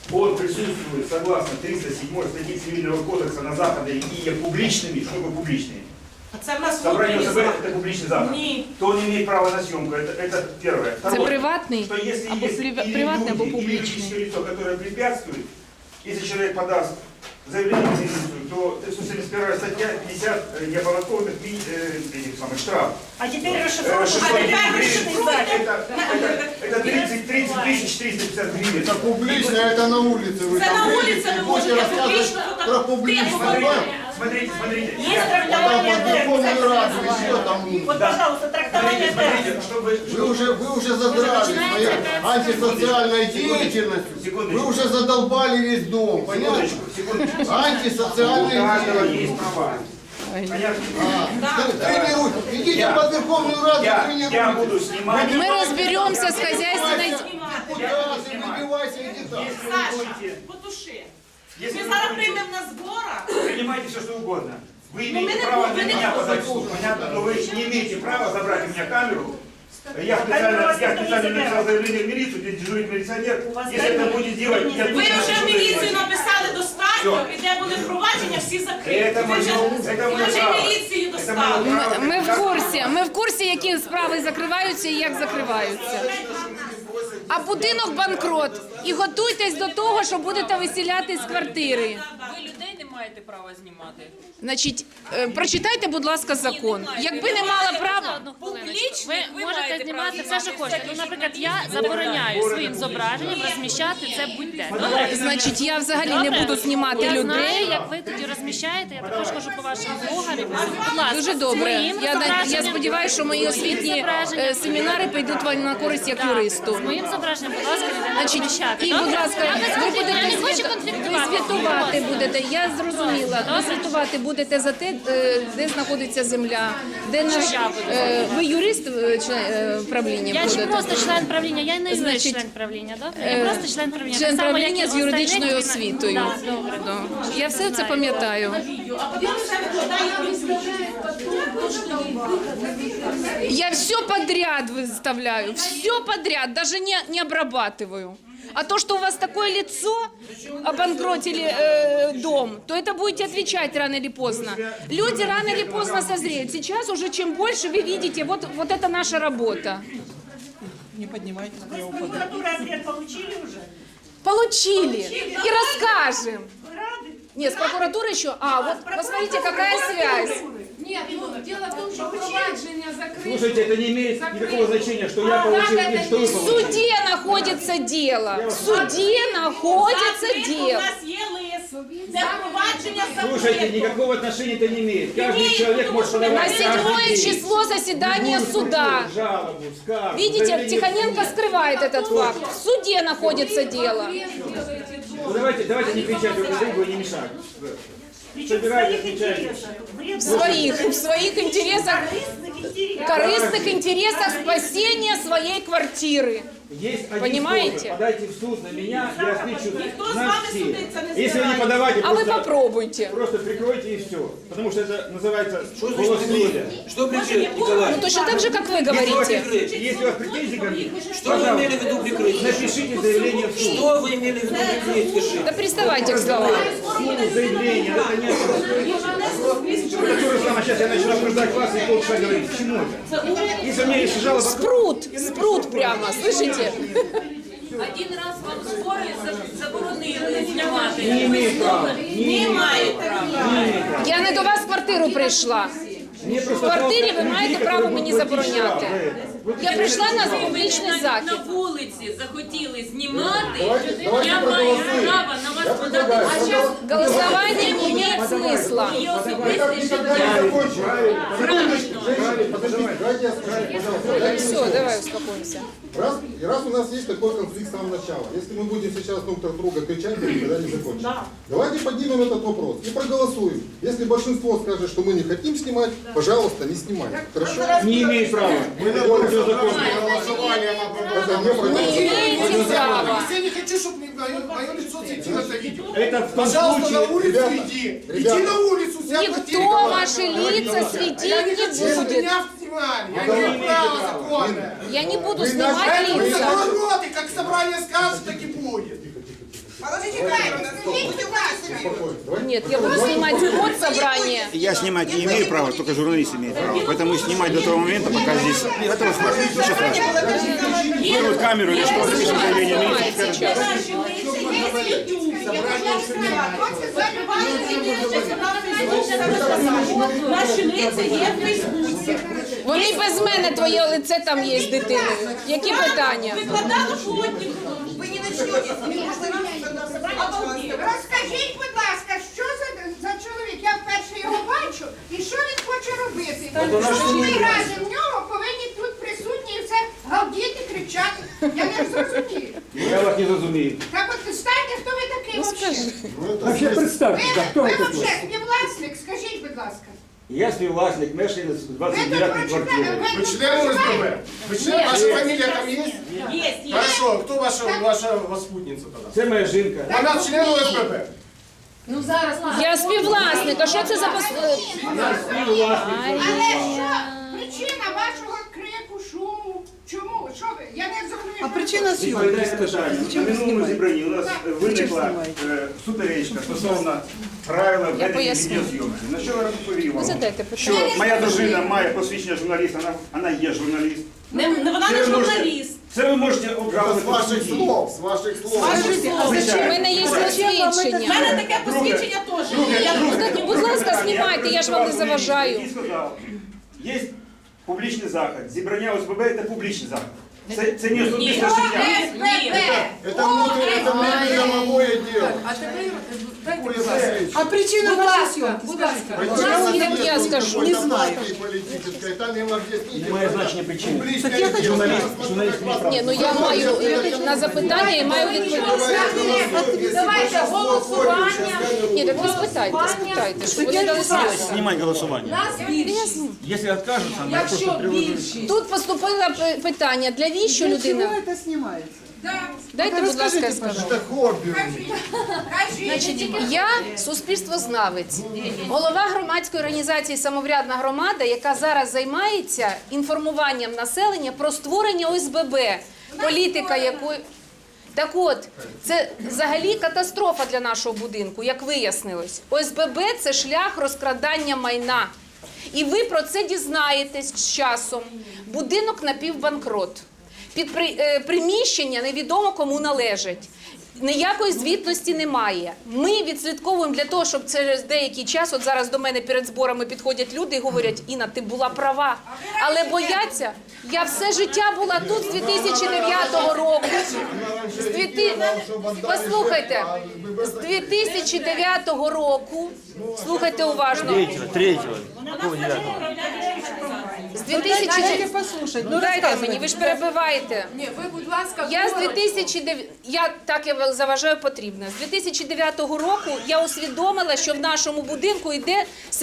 он присутствует согласно 307 статьи Цивильного кодекса на заходы и є публичными, что такое публичные? Собрание ОСБ это публичный заход. То он имеет право на съемку. Это первое. Це приватний Что если або есть приватний або или публічний. юридическое лицо, которое препятствует, если человек подаст заявление в милицию, то 371 статья 50 неоподаткованных штраф. А теперь 600 расшифруйте. Это 30 450 гривен. Это публично, это на улице. Вы Это там на будете, улице вы будете можете рассказывать про публичность. Смотрите. Есть Потом трактование под Верховную Раду, терминов. еще там. Вот, пожалуйста, трактование терминов. Вы уже задрали своей антисоциальной деятельностью. Вы уже задолбали весь дом, понятно? Секундочку. Антисоциальная У каждого деятельность. есть права. Понятно? Тренируйте. Идите под Верховную Раду, Я тренируйте. буду снимать. Мы разберемся с хозяйственной... Куда ты выбивайся, иди там. Саша, потуши. Если Ми вы зараз будете, приймемо на зборах. принимайте все, что угодно. Вы мы имеете не право на будем, меня мы не подать в суд, понятно? Но вы не имеете права забрать у меня камеру. Я специально написал заявление в милицию, где дежурит милиционер. Если это будет делать... Ви вже в міліцію написали достатньо, і де були провадження, всі закриті. Це моє Ви вже право. міліцію Це достали. моє право. Ми в курсі, які справи закриваються і як закриваються. А будинок банкрот. І готуйтесь до того, що будете виселяти з квартири. Ви людей не маєте права знімати. Значить, прочитайте, будь ласка, закон. Якби не мала права... Публічно Ви можете знімати все, що хочете. Ну, наприклад, я забороняю своїм зображенням розміщати це будь-де. Добре? Значить, я взагалі не буду знімати Я знаю, людей. як ви тоді розміщаєте. Я також хожу по вашим блогам. Будь ласка, Дуже добре. своїм Я зображенням- сподіваюся, що мої освітні семінари підуть вам на користь як юристу. З моїм зображенням, будь ласка, ніде не Значить, розміщати. і, Добре? будь ласка, Я без ви конфлікту, я не хочу будете конфліктувати. звітувати будете. Я зрозуміла. Ви звітувати будете за те, де знаходиться земля, де наш... Ви юрист правління Я ж будете? просто член правління, я не Значить, член правління, добре? Я просто член правління. Член Так само, як і правління з у юридичною остальних. освітою. Так, добре. Да. Я все це пам'ятаю. Я все подряд выставляю, все подряд, даже не обрабатываю. А то, что у вас такое лицо, обанкротили дом, то это будете отвечать рано или поздно. Люди рано или поздно созреют. Сейчас уже чем больше вы видите, вот это наша работа. Не поднимайте Вы с прокуратуры ответ получили уже? Получили и расскажем. Вы рады? Нет, с прокуратуры еще. А, вот посмотрите, какая связь. Нет, ну, дело в том, что провадження закрыто. Слушайте, это не имеет никакого значения, что я получил и что вы В получили. суде находится дело. В суде находится У дело. нас є лист, де провадження Слушайте, закрито. никакого отношения это не имеет. Каждый человек может На подавать 7 число заседание суда. жалобу, скаргу. Видите, заявление. Тихоненко скрывает этот факт. В суде находится дело. Ну, давайте не кричать друг другу и не мешать. Причем в Собирайте, своих отвечайте. интересах. В своих интересах, корыстных интересах спасения своей квартиры. Есть один Понимаете? способ. Подайте в суд на меня, я отвечу Никто с на вами все. судиться не Если вы не собирается. подавайте, А вы просто, попробуйте. просто прикройте и все. Потому что это называется голос людя. Что прикрыть, Николай? Ну, точно так же, как вы говорите. Если у вас претензии ко мне, Что вы имели в виду прикрыть? напишите заявление в суд. Что вы имели в виду прикрыть, скажи? Да приставайте к словам. Суд, заявление, это не сейчас я начну обсуждать вас и полчаса говорить. К чему это? Если у меня есть жалоба... Спрут прямо, слышите? Один раз вам збори заборонили знімати. Не имеет права. Не маєте права. Я не до вас в квартиру прийшла. Мне В просто квартирі ви жалко маєте людей, право которые мені будут платить забороняти. штраф за это. Я прийшла на публічний Навіть захід. на вулиці захотіли знімати, Давайте я маю проголосуем. право на вас Я подати. предлагаю, А зараз Голосование не имеет смысла. є Мы особисте так никогда життя. не закончим. Правильно. Женщины, подождите, дайте я скажу, пожалуйста. Дайте Все, мне давай успокоимся. Раз у нас есть такой конфликт с самого начала, если мы будем сейчас друг на друга кричать, то никогда не закончим. Давайте поднимем этот вопрос и проголосуем. Если большинство скажет, что мы не хотим снимать, пожалуйста, не снимайте. Хорошо? Не имеет права. Мы на законе. Это не про- Не имеете права. Я не хочу, чтобы мое лицо светило это видео. Это в том Пожалуйста, на случае... улицу ребята, иди. ребята. Иди на улицу, вся Никто квартира. ваши лица Я не светить хочу, не чтобы будет. меня снимали. Я не имею права законное. Я не буду Вы снимать Поэтому лица. закрой рот, и как собрание скажет, так и будет. Нет, я буду снимать от собрания. Я снимать не имею права, только журналист имеет право. Поэтому снимать до того момента, пока здесь... Это хватит, ничего страшного. Вырвут камеру или что, запишем заявление милиции, скажем. Наші лиця є в Фейсбуці. Вони без мене, твоє лице там є з дитиною. Які питання? Викладали фотки. Ви не почнете. Розкажіть, будь ласка, що за чоловік? Я вперше його бачу. І що він хоче робити? Що ми разом в нього повинні тут присутні і все галдіти, кричати? Я не зрозумію. Я вас не зрозумію. Так от станьте, хто ви такий взагалі? Вообще представьте, Ви взагалі співвласник, скажіть, будь ласка. Я співвласник, мешканець Ви тут 29-ї квартири. Вы член ОСББ? Вы член? Ваша фамилия там есть? Є. Хорошо, кто ваша спутница тогда? Це моя жінка. Она член ОСББ? Я співвласник, а що це за Але що причина вашого крику, шуму? Чому? Що ви? Я не зрозумію. А причина Відповідає съемки, питання. скажите. На минулому зібранні у нас виникла знімаєте? суперечка стосовно правил ведення поясню. відеозйомки. На що я відповів вам? задайте питання. Що моя дружина має посвідчення журналіста, вона є журналіст. Вона не журналіст. Це ви можете обрати. С ваших слов, с ваших слов. У мене є У посвідчення. мене таке посвідчення теж. Я Будь ласка, знімайте, я ж вам не заважаю. Я сказав, є публічний захід. Зібрання ОСББ – це публічний захід. Це не особисте життя. Это внутреннее дело. А причина вашей съемки, скажите. Як я скажу? Не знаю. Политическое, там им объясните. Немає значення причини. Публичное дело. Журналіст має право. Ні, ну я маю на запитання і маю відповідь. Давайте голосування. Ні, так ви спитайте, щоб вони дали слово. Знімай голосування. Якщо відкажуться, Якщо більшість. Тут поступило питання, для віщо Чего людина? это снимается? Дайте, будь ласка, я скажу. Это хобби. Значить, я суспільствознавець, голова громадської організації «Самоврядна громада», яка зараз займається інформуванням населення про створення ОСББ, політика якої... Так от, це взагалі катастрофа для нашого будинку, як вияснилось. ОСББ – це шлях розкрадання майна. І ви про це дізнаєтесь з часом. Будинок напівбанкрот. Приміщення невідомо кому належить. Ніякої звітності немає. Ми відслідковуємо для того, щоб через деякий час, от зараз до мене перед зборами підходять люди і говорять: Інна, ти була права. Але бояться, я все життя була тут з 2009 року. Послухайте, з 2009 року, слухайте уважно. З 2009 Дайте послушать. Ну, дайте рассказывайте. мені, ви ж перебиваєте. Ні, ви, будь ласка, Я з 2009, я заважаю потрібно. З 2009 року я усвідомила, що в нашому будинку йде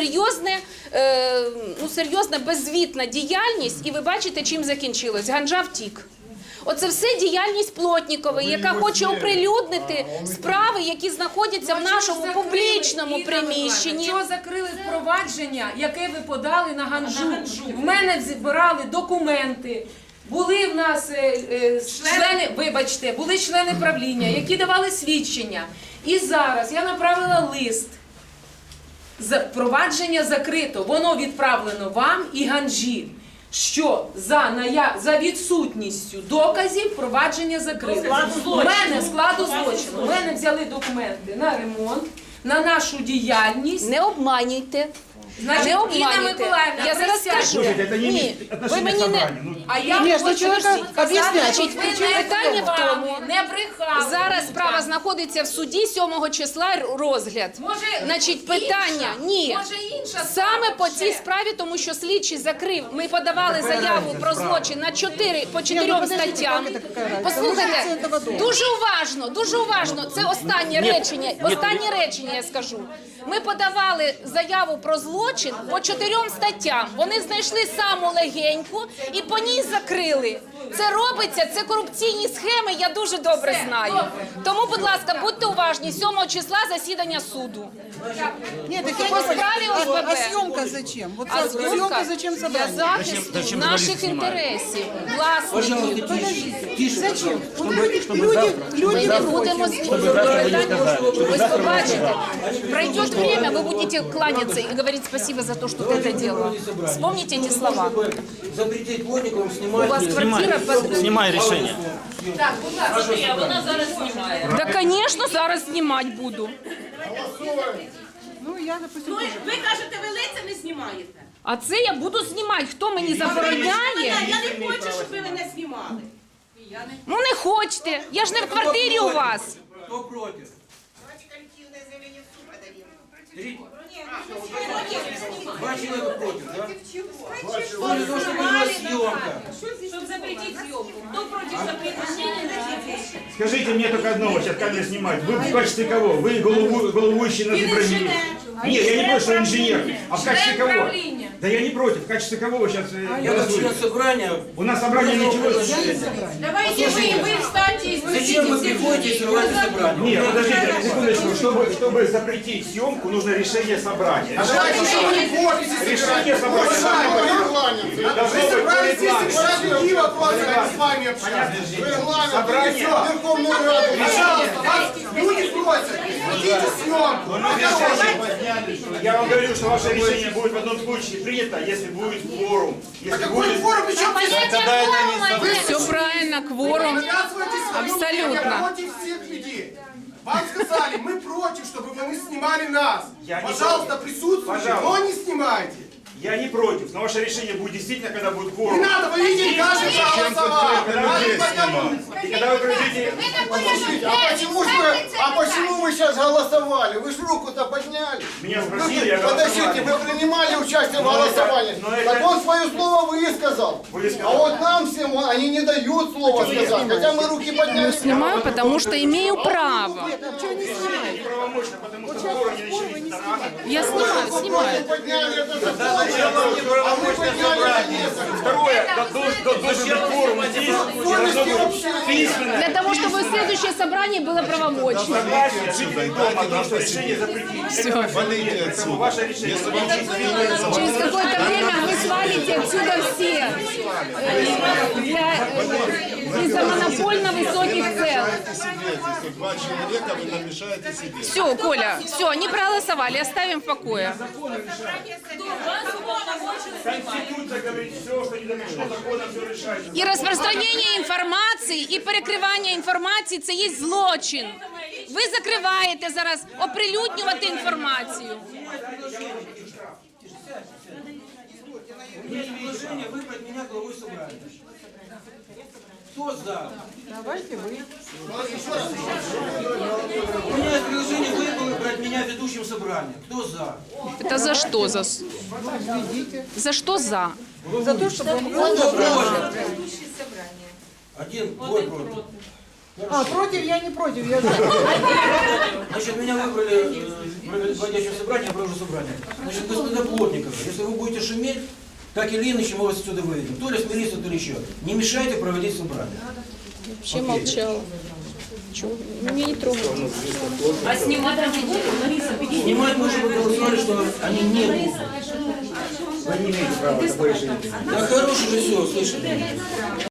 серйозна беззвітна діяльність, і ви бачите, чим закінчилось. Ганжа втік. Оце все діяльність Плотнікової, яка хоче оприлюднити справи, які знаходяться в нашому публічному приміщенні. Чого закрили впровадження, яке ви подали на Ганжу? В мене збирали документи. Були в нас члени, вибачте, були члени правління, які давали свідчення. І зараз я направила лист. Впровадження закрито, воно відправлено вам і Ганжі. Що за відсутністю доказів впровадження закрито. У мене складу злочину. У мене взяли документи на ремонт, на нашу діяльність. Не обманюйте. Значить, Не Інна обманюйте. Миколаївна, Я зараз присядьте. скажу. Ні, ви мені не... А я Ні, хочу чоловіка всім сказати, об'яснять. що ви Питання в тому, не брехали. зараз справа знаходиться в суді 7 числа розгляд. Може, Значить, питання, ні. Може, інша Саме справа по вже. цій справі, тому що слідчий закрив, ми подавали заяву про злочин на 4 статтям. Послухайте, дуже уважно, це останнє речення я скажу. Ми подавали заяву про злочин по 4 статтям. Вони знайшли саму легеньку і по ній закрили. Це робиться, це корупційні схеми, я дуже добре знаю. Тому, будь ласка, будьте уважні, 7 числа засідання суду. Нет, так По я не справе поняла. ОСББ. А съемка зачем? Вот А съемка зачем для собрание? захисту наших інтересів, власників. Подождите. Зачем? Люди Ми будемо ви побачите. Пройдет время, вы будете кланяться и говорить спасибо за то, что ты это делала. Вспомните эти слова. Запретить плотникам У снимать. вас квартира под... Снимай решение. Так, будь ласка, вона зараз знімає. Да, конечно, зараз снимать буду. Ну, я, допустим, Ну, ви кажете, ви лиця не знімаєте. А це я буду знімати. Хто мені забороняє? Я не хочу, щоб ви мене знімали. Ну не хочете. Я ж не в квартирі у вас. Кто против? Два человека против, да? Съемка. Щоб запретити зйомку. Хто проти запретення? Скажите мне только одно, вот сейчас камера снимает. Вы в качестве кого? Вы головующий на Ибрагиме? Нет, я не против, что инженер. А в качестве кого? Да я не против. В качестве кого вы сейчас Я член голосуете? собрания. У нас собрание ничего. Давайте ви встаньте і Зачем вы приходите и срываете собрание? Нет, подождите, секундочку. Чтобы запретить съемку, нужно решение собрания. Давайте еще не подписи Решение собирать. собрания. Вы собрались здесь и решили вопросы, а не с вами общаться. Регламент, Собрание. Верховную Раду. Пожалуйста, вас люди просят. Идите съемку. Я вам говорю, что ваше решение будет в одном случае принято, если будет кворум. Если Какой будет... форум? Причем здесь? Все правильно, кворум. Навязываете свое Абсолютно. мнение против всех людей. Вам сказали, мы против, чтобы вы снимали нас. Я не Пожалуйста, против. присутствуйте, Пожалуйста. но не снимайте. Я не против, но ваше решение будет действительно, когда будет Не кворум. надо, вы видели, каждый проголосовал. И когда вы придете... А почему вы сейчас голосовали? Вы же руку-то подняли. Меня спросили, я Подождите, вы принимали участие в Но это- голосовании. но это- Так он свое слово высказал. Высказал. А вот нам всем они не дают слова сказать. Хотя мы руки подняли. Снимаю, потому что имею право. неправомочно, потому что кворум не начались рано. Я снимаю. Подняли это закон. А мы подняли это. Второе, должен быть кворум здесь, и должно быть письменно. Для того, чтобы следующее собрание было правомочным. Согласие жителей дома о том, что решение запретить. Это поэтому ваше решение. Через какое-то время вы свалите отсюда все. Из-за монопольно высоких цен. Два человека вы нам мешаете сидеть. Все, Коля, все, не проголосовали, оставим в покое. Конституция говорит, все, что не запрещено законом, все решается. І розпространення інформації, і перекривання інформації – це є злочин. Ви закриваєте зараз оприлюднювати інформацію. У меня есть предложение выбрать меня главой собрания. Кто за? давайте вы. У меня есть предложение выбрать меня ведущим собрания. Кто за? Это за что? За что за? За то, чтобы он... Кто против? Один, двое против. А, против я не против, я за. Значит, меня выбрали проводящим собрание, я провожу собрание. Значит, господа Плотниковы, если вы будете шуметь, так или иначе мы вас отсюда выведем. То ли с милицией, то ли еще. Не мешайте проводить собрание. Вообще молчала. Чего? Меня не трогают. А знімати не будуть? Лариса, підійдіть. Снимать мы уже проголосовали, что они не будут. Вы не имеете права такое решение. Да хороший же все, слышите?